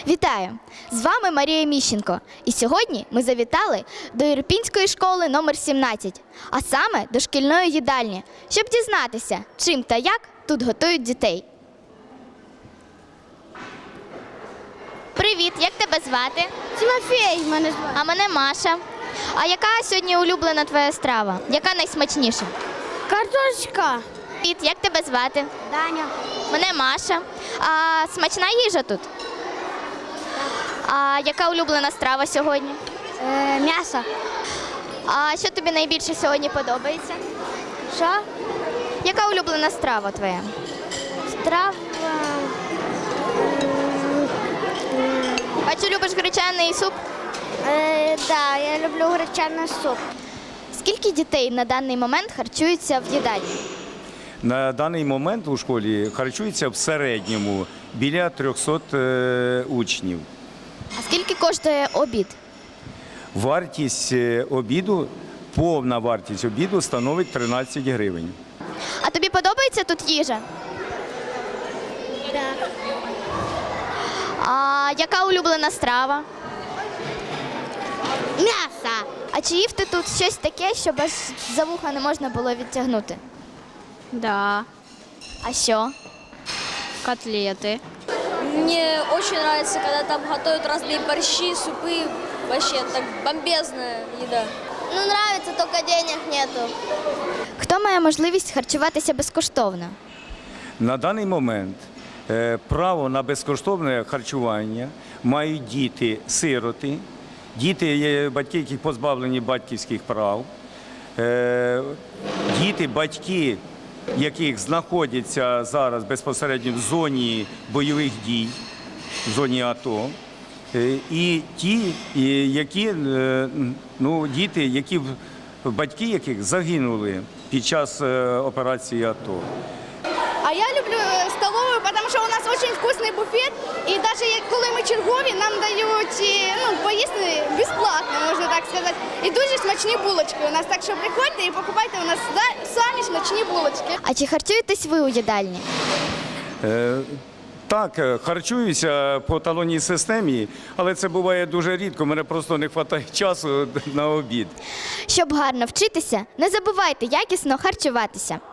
Вітаю! З вами Марія Міщенко. І сьогодні ми завітали до Ірпінської школи номер 17, а саме до шкільної їдальні, щоб дізнатися, чим та як тут готують дітей. Привіт, як тебе звати? Тимофій мене звати. А мене Маша. А яка сьогодні улюблена твоя страва? Яка найсмачніша? Картошка. Привіт, як тебе звати? Даня. Мене Маша. А смачна їжа тут? А яка улюблена страва сьогодні? М'ясо. А що тобі найбільше сьогодні подобається? Що? Яка улюблена страва твоя? Страва. Бачу, любиш гречаний суп? Да, я люблю гречаний суп. Скільки дітей на даний момент харчуються в їдальні? На даний момент у школі харчується в середньому біля 300 учнів. А скільки коштує обід? Вартість обіду, повна вартість обіду становить 13 гривень. А тобі подобається тут їжа? Да. А яка улюблена страва? М'ясо. А чи їв ти тут щось таке, що без за вуха не можна було відтягнути? Да, А що? котлеты. Мне очень нравится, когда там готовят разные борщи, супы. Вообще, так бомбезная еда. Ну, нравится, только денег нету. Хто має можливість харчуватися безкоштовно? На даний момент право на безкоштовне харчування мають діти-сироти, діти, батьки, яких позбавлені батьківських прав, діти, батьки, яких знаходяться зараз безпосередньо в зоні бойових дій, в зоні АТО, і ті, батьки яких загинули під час операції АТО. А я люблю столовую, потому что у нас очень вкусный буфет, и даже коли ми чергові, нам дають поїсти безплатно, можна так сказати. І дуже смачні булочки у нас, так що приходьте і покупайте у нас самі смачні булочки. А чи харчуєтесь ви у їдальні? Так, харчуюся по талонній системі, але це буває дуже рідко, мене просто не вистачає часу на обід. Щоб гарно вчитися, не забувайте якісно харчуватися.